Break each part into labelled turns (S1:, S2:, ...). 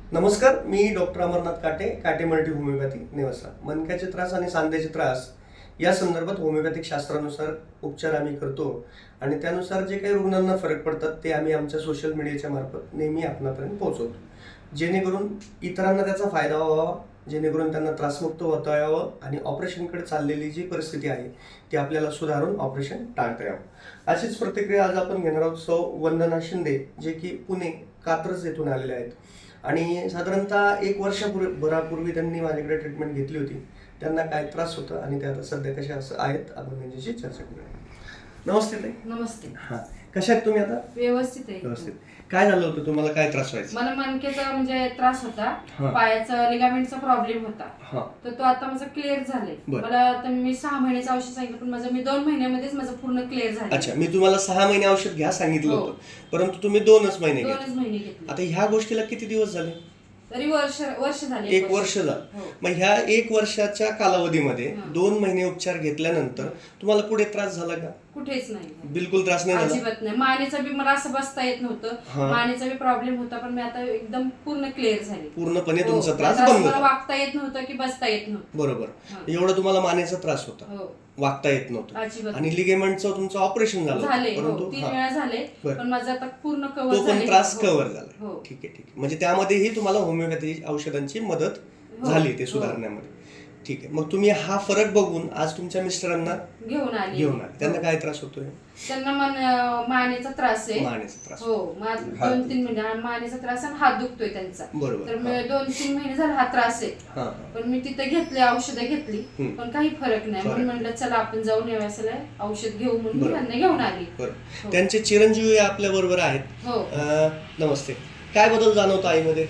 S1: नमस्कार, मी डॉक्टर अमरनाथ काटे, काटे मल्टी होमिओपॅथी नेवासा. मणक्याचे त्रास आणि सांध्याचे त्रास या संदर्भात होमिओपॅथिक शास्त्रानुसार उपचार आम्ही करतो आणि त्यानुसार जे काही रुग्णांना फरक पडतात ते आम्ही आमच्या सोशल मीडियाच्या मार्फत नेहमी आपणापर्यंत पोहोचवतो, जेणेकरून इतरांना त्याचा फायदा व्हावा, जेणेकरून त्यांना त्रासमुक्त होता यावं आणि ऑपरेशनकडे चाललेली जी परिस्थिती आहे ती आपल्याला सुधारून ऑपरेशन टाळता यावं. अशीच प्रतिक्रिया आज आपण घेणार आहोत सौ वंदना शिंदे, जे की पुणे कात्रज येथून आलेले आहेत आणि साधारणतः 1 वर्षभरापूर्वी त्यांनी माझ्याकडे ट्रीटमेंट घेतली होती. त्यांना काय त्रास होता आणि ते आता सध्या कशा असं आहेत आपण त्यांच्याशी चर्चा करूया. नमस्ते ताई.
S2: नमस्ते.
S1: हां, कशा आहेत तुम्ही आता?
S2: व्यवस्थित आहे.
S1: व्यवस्थित. काय झालं होतं, तुम्हाला काय त्रास व्हायचा?
S2: मला मणक्याचा म्हणजे त्रास होता,
S1: हा.
S2: पायाचा लिगामेंटचा प्रॉब्लेम होता.
S1: हां,
S2: तर तो आता माझा क्लिअर झालाय.
S1: बरं.
S2: मला आता मी 6 महिन्याचं औषध सांगितलं, पण मी 2 महिन्यामध्येच माझं पूर्ण क्लिअर झालं.
S1: अच्छा. मी तुम्हाला 6 महिने औषध घ्या सांगितलं
S2: हो.
S1: होतं, परंतु तुम्ही 2च महिने
S2: 2च
S1: घेतले.
S2: महिने घेतले.
S1: आता ह्या गोष्टीला किती दिवस झाले?
S2: तरी वर्ष झाले.
S1: 1 वर्ष झालं.
S2: हो.
S1: मग ह्या 1 वर्षाच्या कालावधीमध्ये
S2: हां.
S1: 2 महिने उपचार घेतल्यानंतर तुम्हाला पुढे त्रास झाला का?
S2: कुठेच नाही.
S1: बिलकुल त्रास नाही झाला?
S2: अजिबात नाही. मानेचा बी मला असं बसता येत नव्हतं.
S1: हा.
S2: मानेचा बी प्रॉब्लेम होता, पण मी आता एकदम पूर्ण क्लिअर झाले.
S1: पूर्णपणे
S2: हो.
S1: तुमचा त्रास
S2: त्रास
S1: बंद
S2: मला
S1: झाला.
S2: वागता येत नव्हतं की बसता येत नव्हतं.
S1: बरोबर.
S2: हा.
S1: एवढा तुम्हाला मानेचा त्रास होता,
S2: हो.
S1: वागता येत नव्हतं
S2: अजिबात
S1: आणि लिगेमेंटचं तुमचं ऑपरेशन झालं,
S2: झाले. हो,
S1: परंतु
S2: 3
S1: हा,
S2: वेळा झाले,
S1: बरं.
S2: पण माझं आता पूर्ण कव्हर
S1: तो
S2: झाले.
S1: पण त्रास
S2: हो.
S1: कव्हर झाला.
S2: हो.
S1: ठीक आहे, ठीक आहे. म्हणजे त्यामध्येही तुम्हाला होमिओपॅथी औषधांची मदत
S2: हो.
S1: झाली ते
S2: हो.
S1: सुधारण्यामध्ये. ठीक आहे. मग तुम्ही हा फरक बघून आज तुमच्या मिस्टरांना
S2: घेऊन आले.
S1: त्यांना
S2: हो.
S1: काय त्रास होतोय?
S2: त्यांना मानेचा त्रास आहे.
S1: मानेचा त्रास.
S2: हो,
S1: हात.
S2: 2-3 महिने मानेचा त्रास आणि हात दुखतोय त्यांचा.
S1: बरोबर.
S2: तर
S1: हा.
S2: 2-3 महिने झाले हा त्रास आहे.
S1: हा.
S2: पण मी तिथे घेतले, औषधं घेतली,
S1: हम्म.
S2: पण काही फरक नाही. म्हणून
S1: फरक.
S2: म्हटलं चला आपण जाऊन यावयाला औषध घेऊ, म्हणून मी
S1: बरोबर.
S2: त्यांना घेऊन आली.
S1: बरं.
S2: हो.
S1: त्यांचे चिरंजीवी आपल्या बरोबर आहेत.
S2: हो.
S1: नमस्ते. काय बदल जाणवतो आईमध्ये?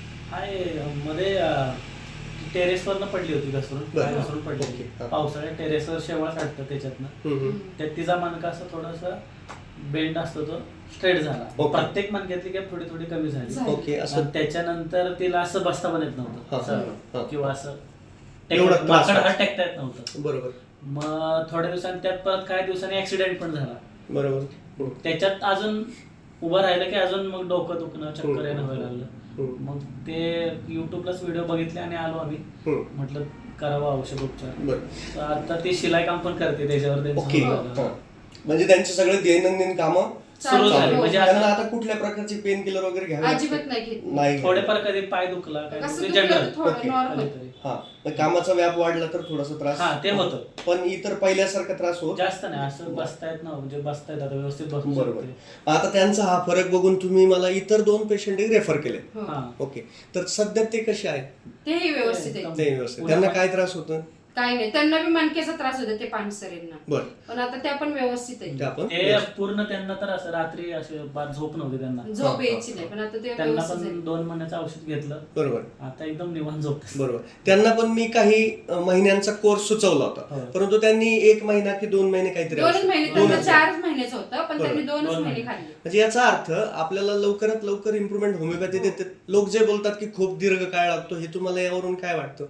S3: मध्ये टेरेसवरनं पडली होती घसरून,
S1: बरं.
S3: पाय घसरून पडली
S1: ओके.
S3: होती.
S1: हा.
S3: पावसाळ्यात टेरेसवर शेवाळ काढतं त्याच्यातनं.
S1: हम्म, हम्म.
S3: त्यात तिचा मणका असं थोडासा बेंड असतो, तो स्ट्रेट झाला.
S1: ओके.
S3: प्रत्येक मणक्यातली गॅप थोडी थोडी कमी झाली.
S2: झाली.
S1: ओके. असं
S3: आणि त्याच्यानंतर तिला असं बसता पण येत नव्हतं,
S1: हा.
S3: असं
S1: हा.
S3: किंवा असं
S1: एवढा त्रास
S3: माकड
S1: व्हायचा.
S3: हात टेकता येत नव्हतं.
S1: बरोबर.
S3: मग थोड्या दिवसांनी त्यात परत काही दिवसांनी ऍक्सिडेंट पण झाला.
S1: बरोबर. हम्म.
S3: त्याच्यात अजून उभं राहिलं की अजून मग डोकं दुखणं, चक्कर येणं व्हायला लागलं.
S1: हम्म.
S3: मग ते युट्यूबलाच व्हिडिओ बघितले आणि आलो आम्ही.
S1: हम्म.
S3: म्हटलं करावं औषध उपचार.
S1: बरं.
S3: तर आता ती शिलाई काम पण करते त्याच्यावर त्यांचं
S1: ओके.
S3: सुरू झालं.
S1: हा. म्हणजे त्यांचे सगळे दैनंदिन कामं
S3: सुरू झाली.
S2: हो.
S3: म्हणजे
S1: त्यांना
S3: आता
S1: आता कुठल्या प्रकारची पेन किलर वगैरे घ्यावे लागते?
S2: अजिबात नाही घेतली.
S1: नाही.
S3: थोडेफार कधी पाय दुखला काय
S2: कसं
S3: दुखलं,
S2: दुखलं
S3: जनरल
S2: तर थोडं
S1: ओके.
S2: नॉर्मल.
S1: हा. मग कामाचा व्याप वाढला तर थोडासा त्रास
S3: हा, ते होतं.
S1: पण इतर पहिल्यासारखा त्रास होत
S3: जास्त नाही. असं बसता येत ना, म्हणजे बसता येत आता व्यवस्थित बसू
S1: बरोबर.
S3: शकते.
S1: आता त्यांचा हा फरक बघून तुम्ही मला इतर 2 पेशंट रेफर केले.
S2: हो.
S3: हा.
S1: ओके. तर सध्या ते कसे आहेत?
S2: तेही व्यवस्थित आहे.
S1: ते व्यवस्थित. त्यांना काय त्रास होतं?
S2: काही नाही. त्यांना बी मणक्याचा त्रास होता, ते पानसरेंना,
S1: बरं.
S2: पण आता त्या पण व्यवस्थित आहे.
S1: ते आपण
S3: ते पूर्ण त्यांना तर असं रात्री असे झोप नव्हती त्यांना.
S2: झोप यायची नाही, पण आता ते
S3: त्यांना
S2: व्यवस्थित आहे.
S3: पण 2 महिन्याचं औषध घेतलं,
S1: बरोबर.
S3: आता एकदम निवांत झोप.
S1: बरोबर. त्यांना पण मी काही महिन्यांचा कोर्स सुचवला होता,
S3: हो.
S1: परंतु त्यांनी 1 महिना की 2 महिने काहीतरी
S2: 2च
S1: औषध-
S2: महिने.
S1: दोनच
S2: त्यांना
S1: महिने.
S2: 4 महिन्याचं होतं, पण त्यांनी 2च
S3: दोन
S2: महिने
S3: महिने.
S2: खाल्ले.
S1: म्हणजे याचा अर्थ आपल्याला लवकरात लवकर इम्प्रुव्हमेंट होमिओपॅथी देते. लोक जे बोलतात की खूप दीर्घ काळ लागतो, हे तुम्हाला यावरून काय वाटतं?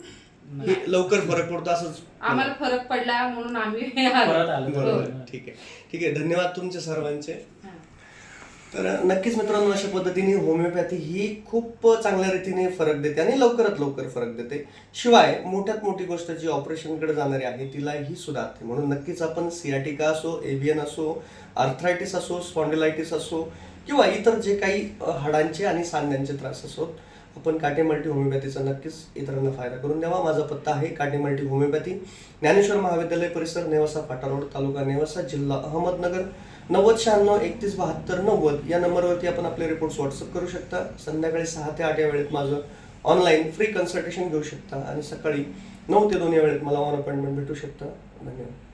S1: हे लवकर फरक पडतो असंच?
S2: आम्हाला फरक पडला म्हणून आम्ही
S3: परत आलो.
S1: बरोबर.
S3: हो.
S1: ठीक आहे, ठीक आहे. धन्यवाद तुमचे सर्वांचे.
S2: हा.
S1: तर नक्कीच मित्रांनो, अशा पद्धतीने होमिओपॅथी ही खूप चांगल्या रीतीने फरक देते आणि लवकरात लवकर फरक देते. शिवाय मोठ्यात मोठी गोष्ट जी ऑपरेशनकडे जाणारी आहे तिलाही सुधारते. म्हणून नक्कीच आपण सियाटिका असो, एव्हियन असो, आर्थरायटिस असो, स्पॉन्डिलायटिस असो किंवा इतर जे काही हाडांचे आणि सांध्यांचे त्रास असोत, आपण काटे मल्टी होमिओपॅथीचा नक्कीच इतरांना फायदा करून द्यावा. माझा पत्ता आहे काटे मल्टी होमिओपॅथी, ज्ञानेश्वर महाविद्यालय परिसर, नेवासा फाटा रोड, तालुका नेवासा, जिल्हा अहमदनगर. 9096317290 या नंबरवरती आपण आपले रिपोर्ट्स व्हॉट्सअप करू शकता. संध्याकाळी 6 ते 8 या वेळेत माझं ऑनलाईन फ्री कन्सल्टेशन घेऊ शकता आणि सकाळी 9 ते 2 या वेळेत मला ऑन अपॉइंटमेंट भेटू शकता. धन्यवाद.